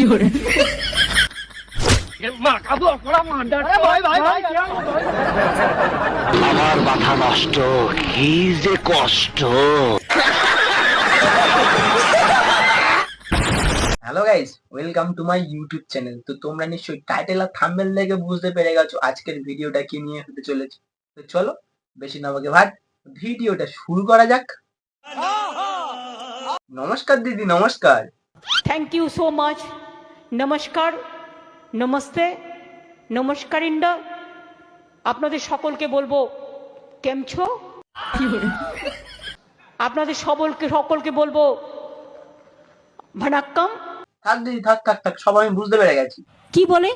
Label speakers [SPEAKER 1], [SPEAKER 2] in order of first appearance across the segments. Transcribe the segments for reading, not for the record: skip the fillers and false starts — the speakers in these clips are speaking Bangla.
[SPEAKER 1] আমার মাথা নষ্ট, কি যে কষ্ট।
[SPEAKER 2] Hello guys, welcome to my YouTube channel. তো তোমরা নিশ্চয়ই টাইটেল আর থাম্বনেল দেখে বুঝতে পেরে গেছো আজকের ভিডিওটা কি নিয়ে হতে চলেছে। তো চলো বেশি না বকে ভাট ভিডিওটা শুরু করা যাক। নমস্কার দিদি, নমস্কার।
[SPEAKER 3] Thank you so much. নমস্কার, নমস্তে, নমস্কার ইন্ডা। আপনাদের সকলকে বলবো কেমছো। আপনাদের সকলকে বলবো ভানাক্কাম।
[SPEAKER 2] থাক দিদি, থাক থাক থাক, সব আমি বুঝতে পেরে গেছি।
[SPEAKER 3] কি বলে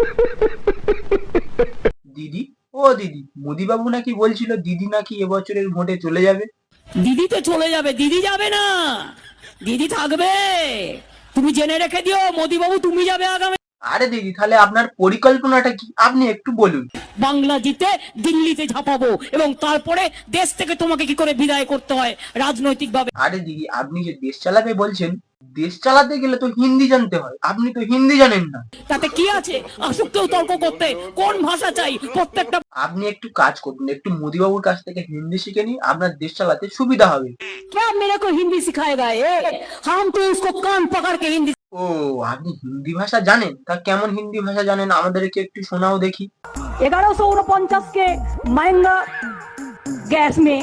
[SPEAKER 2] দিদি? ও দিদি, মোদি বাবু নাকি বলছিল দিদি নাকি এবছরের ভোটে চলে যাবে।
[SPEAKER 3] দিদি তো চলে যাবে, দিদি যাবে না, দিদি থাকবে। তুমি জেনে রেখে দিও, মোদি বাবু তুমি যাবে আগামী।
[SPEAKER 2] আরে দিদি, তাহলে আপনার পরিকল্পনাটা কি আপনি একটু বলুন।
[SPEAKER 3] বাংলা জিতে দিল্লিতে ঝাঁপাবো এবং তারপরে দেশ থেকে তোমাকে কি করে বিদায় করতে হয় রাজনৈতিক ভাবে।
[SPEAKER 2] আরে দিদি, আপনি যে দেশ চালাবে বলছেন, দেশ চালাতে গেলে তো হিন্দি জানতে হয়, আপনি তো হিন্দি জানেন না।
[SPEAKER 3] তাতে কি আছে, আসুক কেউ তর্ক করতে, কোন ভাষা চাই প্রত্যেকটা।
[SPEAKER 2] আপনি একটু কাজ করুন, একটু মোদি বাবুর কাছ থেকে হিন্দি শিখে নিন, আপনার দেশ চালাতে সুবিধা হবে।
[SPEAKER 3] क्या मेरे को हिंदी सिखाएगा ये? हम तो उसको कान पकड़ के हिंदी।
[SPEAKER 2] ও, আপনি হিন্দি ভাষা জানেন? তা কেমন হিন্দি ভাষা জানেন আমাদেরকে একটু শোনাও দেখি।
[SPEAKER 3] 1149 के महंगा गैस में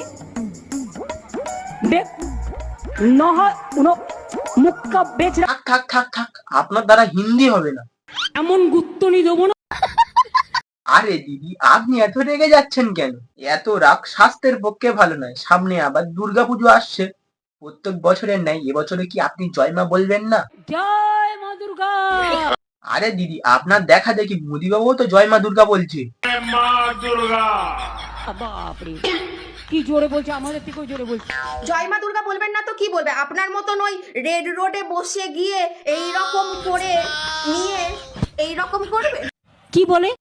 [SPEAKER 3] মুক্কা বেচ।
[SPEAKER 2] থাক থাক থাক থাক, আপনার দ্বারা হিন্দি হবে না।
[SPEAKER 3] এমন গুত্তনি দেবো না।
[SPEAKER 2] আরে দিদি, আপনি এত রেগে যাচ্ছেন কেন? এত রাগ স্বাস্থ্যের পক্ষে ভালো নয়। সামনে আবার দুর্গাপুজো আসছে, প্রত্যেক বছরের নাই এবছরে কি আপনি জয় মা বলবেন না?
[SPEAKER 3] জয় মা দুর্গা।
[SPEAKER 2] আরে দিদি, আপনার দেখা দেখি মোদি বাবু তো জয় মা দুর্গা বলছে।
[SPEAKER 3] বাপরে, কি জোরে বলছে, আমাদের থেকেও জোরে বলছে।
[SPEAKER 4] জয় মা দুর্গা বলবেন না তো কি বলবে? আপনার মতন ওই রেড রোডে বসে গিয়ে এই রকম করে নিয়ে এই রকম করবে?
[SPEAKER 3] কি বলে?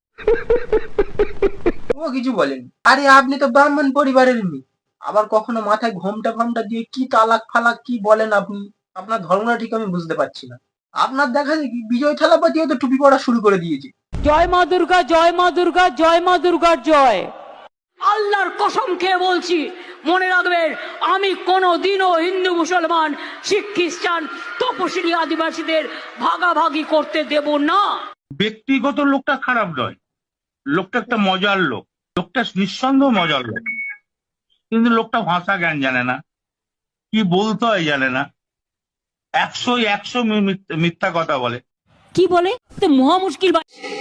[SPEAKER 2] ও কিছু বলেন। আরে আপনি তো ব্রাহ্মণ পরিবারের মেয়ে, আবার কখনো মাথায় ঘোমটা ফোমটা দিয়ে কি তালাক ফালাক কি বলেন আপনি? আপনার ধর্মটা ঠিক আমি বুঝতে পারছি না। আপনার দেখা দেখি বিজয় থালাপতিও তো টুপি পড়া শুরু করে দিয়েছে।
[SPEAKER 3] জয় মা দুর্গা, জয় মা দুর্গা, জয় মা দুর্গার জয়। আল্লাহর কসম খেয়ে বলছি, মনে রাখবেন, আমি কোনোদিনও হিন্দু মুসলমান শিখ খ্রিস্টান তপশিলি আদিবাসীদের ভাগাভাগি করতে দেব না।
[SPEAKER 5] ব্যক্তিগত লোকটা খারাপ নয়, লোকটা একটা মজার লোক, লোকটা নিঃসন্দেহ মজার লোক, কিন্তু লোকটা ভাষা জ্ঞান জানে না, কি বলতে হয় জানে না, 100 মিথ্যা কথা বলে।
[SPEAKER 3] কি বলে? তো মহা মুশকিল।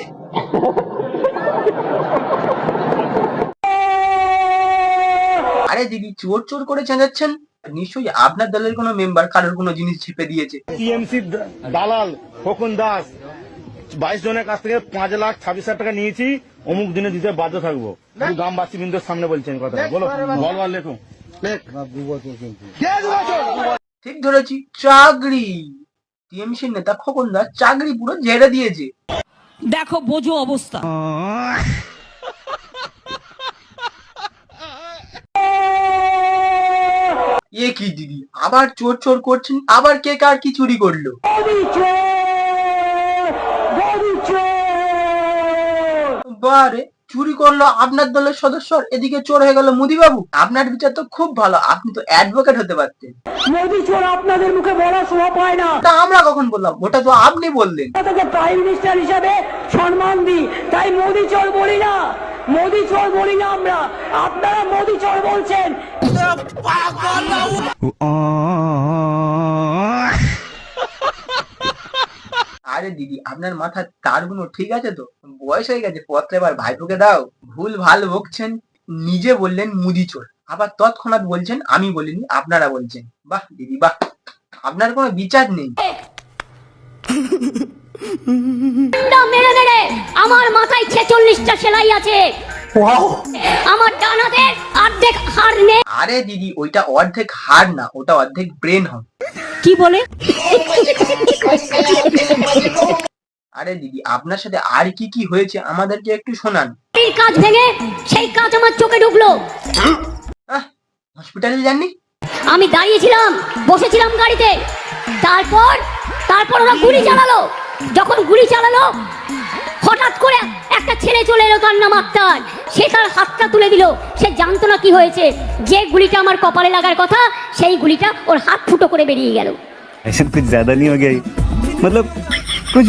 [SPEAKER 2] আরে দিদি, চোর চোর করে চেঁচাচ্ছেন, নিশ্চয়ই আপনার দলের কোনো মেম্বার কারোর কোনো জিনিস ছিপে দিয়েছে।
[SPEAKER 6] টিএমসি দালাল খোকন দাস 22 জনের কাছ থেকে 5,26,000 টাকা নিয়েছি, অমুক দিনে দিতে বাধ্য থাকবো। গ্রামবাসী বিন্দুর সামনে বলছেন কথা, বলো বলো আর লেখো।
[SPEAKER 2] ঠিক ধরেছি, চাকরি। টিএমসির নেতা খোকন দাস চাকরি পুরো ঝেড়ে দিয়েছে।
[SPEAKER 3] দেখো বোঝো অবস্থা।
[SPEAKER 2] এ কি দিদি, আবার চোর চোর করছেন? আবার কে কার কি চুরি করলো? বারে, চুরি করলো আপনার দলের সদস্য, এদিকে চোর হয়ে গেল মোদি বাবু। আপনার বিচার তো খুব ভালো, আপনি তো অ্যাডভোকেট হতে পারতেন।
[SPEAKER 3] মোদি চোর আপনাদের মুখে বলা শোভা পায় না।
[SPEAKER 2] তা আমরা কখন বললাম? ওটা তো আপনি বললেন।
[SPEAKER 3] তাকে প্রাইম মিনিস্টার হিসাবে সম্মান দিই, তাই মোদি চোর বলি না, মোদি চোর বলি না আমরা। আপনারা মোদি চোর বলছেন।
[SPEAKER 2] আরে দিদি, আপনার মাথার তারগুলো ঠিক আছে তো? বয়স হয়ে গেছে, পত্রে এবার ভাইপোকে দাও। ভুল ভাল বকছেন, নিজে বললেন মুদি চোর, আবার তৎক্ষণাৎ বলছেন আমি বলিনি আপনারা বলছেন। বাহ দিদি বাহ, আপনার কোনো বিচার নেই।
[SPEAKER 7] মেরে মেরে আমার মাথায় 46টা সেলাই আছে, আমার ডান হাতের অর্ধেক হাড় নেই।
[SPEAKER 2] আরে দিদি, ওইটা অর্ধেক হাড় না, ওটা অর্ধেক ব্রেন হয়।
[SPEAKER 3] কি বলে?
[SPEAKER 2] আরে দিদি, আপনার সাথে আর কি কি হয়েছে আমাদেরকে একটু শোনান।
[SPEAKER 7] এই কাজ ভেঙে সেই কাজ আমার চোখে ঢুকলো।
[SPEAKER 2] হসপিটালে যাননি?
[SPEAKER 7] আমি দাঁড়িয়েছিলাম, বসেছিলাম গাড়িতে, তারপর ওরা গুলি চালালো। যখন গুলি চালালো হঠাৎ করে একটা ছেলে চলে এলো, তার নাম আক্তার। সে তার হাতটা তুলে দিল, সে জানতো না কি হয়েছে। যে গুলিটা আমার কপালে লাগার কথা, সেই গুলিটা ওর হাত ফুটো করে বেরিয়ে গেল।
[SPEAKER 8] ऐसा कुछ ज्यादा नहीं हो गया मतलब कुछ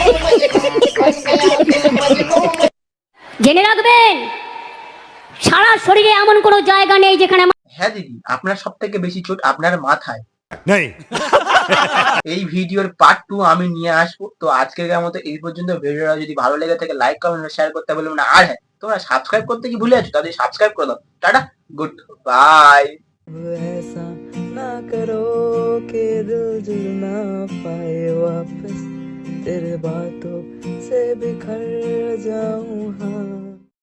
[SPEAKER 7] জেনে রাখবেন, সারা শরীরে এমন কোনো জায়গা নেই যেখানে
[SPEAKER 2] হ্যাঁ দিদি, আপনার সব থেকে বেশি চোট আপনার মাথায়।
[SPEAKER 8] नहीं
[SPEAKER 2] এই ভিডিওর পার্ট 2 আমি নিয়ে আসবো। তো আজকের মতো এই পর্যন্ত। ভিডিওটা যদি ভালো লেগে থাকে লাইক কমেন্ট শেয়ার করতে বলবেন না। আর হ্যাঁ, তোমরা সাবস্ক্রাইব করতে কি ভুলে আছো? তাদের সাবস্ক্রাইব করে দাও। Tata, good bye.
[SPEAKER 9] ऐसा ना करो कि दिल जुड़ ना पाए वापस, तेरे बातों से बिखर जाऊं। हाँ